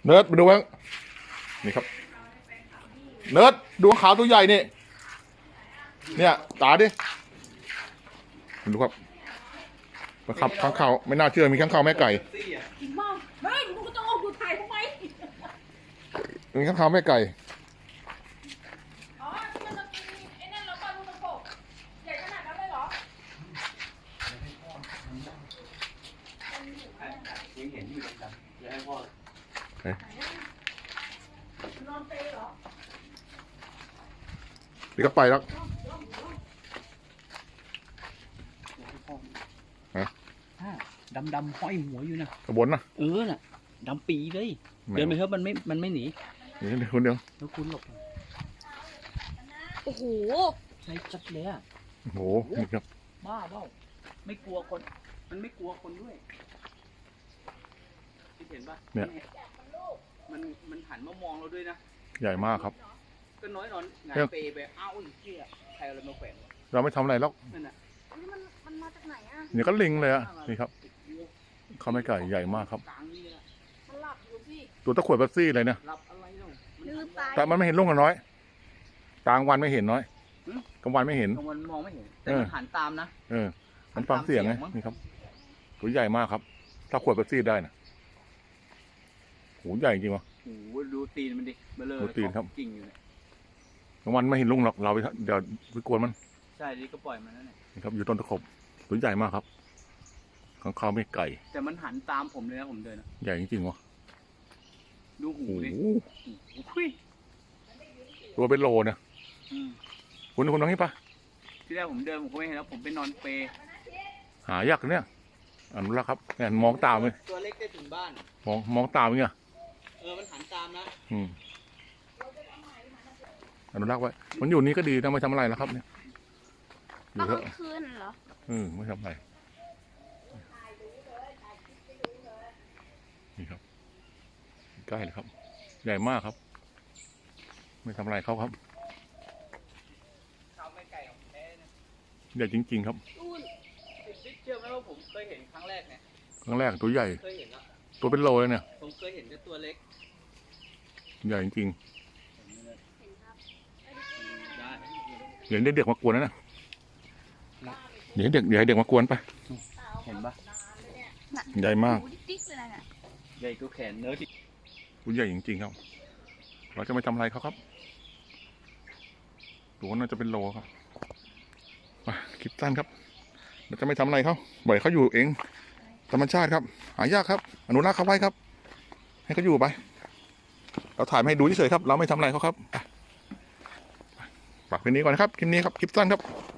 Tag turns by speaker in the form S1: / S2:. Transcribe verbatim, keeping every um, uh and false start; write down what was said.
S1: เนิร์ดมาดูบ้างนี่ครับเนิร์ดดวงขาวตัวใหญ่นี่เนี่ยตาดิดูครับมาขับข้างข่าวไม่น่าเชื่อมีข้างข่าวแม่ไก่
S2: จริงมากไม่มึงก็ต้องเอาดูถ่ายทำไม
S1: มีข้างข่าวแม่ไก่
S2: อ๋อที่มันจะกินไอ้นั่นแล้วปลาลูกตะโกใหญ่ขนาดนั้นเลยเหรอ
S3: ยังเห็นอยู่เลยครับจะให้พ่อน
S2: อนเปย์เหรอ
S1: นี่ก็ไปแล้ว
S3: ดำดำห้อยหัวอยู่นะ
S1: กระบนนะ
S3: เออน่ะดำปีเลยเดินไปเถอะมันไม่มันไม่หนี
S1: นี่คนเดียว
S3: แล้วคุณหลบ
S2: โอ้โห
S3: ใช่จัดเลยอ่ะ
S1: โอ้โหนี่ครับ
S3: บ้าเปล่าไม่กลัวคนมันไม่กลัวคนด้วยที่เห็นป่ะ
S1: เนี่ย
S3: มันมันหันมามองเราด้วยนะ
S1: ใหญ่มากครับ
S3: ก็น้อยนอนงานเปย์ไปอ้าวอีกที่ใครอะไรมาแขวน
S1: เราไม่ทำอะไรหรอก
S3: นั่นน่ะ
S2: นี่มันมันมาจากไหนอ่ะ
S1: เนี่ยก็ลิงเลยอ่ะนี่ครับเขาไม่ไก่ใหญ่มากครับ
S2: มันหลับอยู่พี่
S1: ตัวตะขวดบัสซี่เลยเนี่ยแต่มันไม่เห็นลุงกันน้อยกลางวันไม่เห็นน้อยกลางวันไม่เห็น
S3: กลางวันมองไม่เห็นแต่มันหันตามนะ
S1: เออมันฟังเสียงไงนี่ครับตัวใหญ่มากครับถ้าขวดบัสซี่ได้นะโหใหญ่จริงวะ
S3: โหดูตีนมันดิเบลอ
S1: ดูตีนครับ
S3: กิ่งอยู่เนี่ย
S1: กลางวันไม่เห็นลุงหรอกเราไปเดี๋ยวไปกวนมัน
S3: ใช่ดิก็ปล่อยมันนั่นแหละ
S1: นี่ครับอยู่ต้นตะขบตัวใหญ่มากครับข้างข้าวไม่ไก่
S3: แต่มันหันตามผมเลยนะผมเดิน
S1: ใหญ่จริงๆวะ
S3: ดูหูดิ
S1: ตัวเป็นโลเนี่ยคุณคุณน้องนี่ปะ
S3: ที่แรกผมเดินผมก็ไม่เห็นแล้วผมไปนอนเปย์
S1: หายากเนี่ยอนุรักษ์ครับเนี่ยมองตามเลย
S3: ตัวเล็กได้ถึงบ้าน
S1: มองมองตามเนี่ย
S3: เออมันหันตามนะ
S1: อืมอนุรักษ์ไว้มันอยู่นี่ก็ดีนะไม่ทำอะไรแล้วครับเนี่ย
S2: อยู่เถอะคืนเหรอ
S1: อืมไม่ทำอะไรนี่ครับใกล้เลยครับใหญ่มากครับไม่ทำอะไรเขาครับใหญ่จริงๆครับ
S3: เชื่อไหมว่าผมเคยเห็นครั้งแรกเนี่ย
S1: ครั้งแรกตัวใหญ่
S3: เคยเห็นแล้ว
S1: ตัวเป็นโลเลยเนี่ย
S3: ผมเคยเห็นแต่ตัวเล็ก
S1: ใหญ่จริงๆเดี๋ยวเด็กมากวนนะนะเดี๋ยวเด็กเดี๋ยวเด็กมากวนไป
S3: เห็นปะ
S1: ใหญ่มาก
S3: ใหญ่ก็แขนเนื้อที่
S1: ตัวใหญ่จริงๆครับเราจะไม่ทำอะไรเขาครับตัวน่าจะเป็นโลครับมาคลิปสั้นครับเราจะไม่ทำอะไรเขาปล่อยเขาอยู่เองธรรมชาติครับหายากครับอนุรักษ์เขาไว้ครับให้เขาอยู่ไปเราถ่ายมาให้ดูเฉยๆครับเราไม่ทำอะไรเขาครับฝากคลิปนี้ก่อนนะครับคลิปนี้ครับคลิปสั้นครับ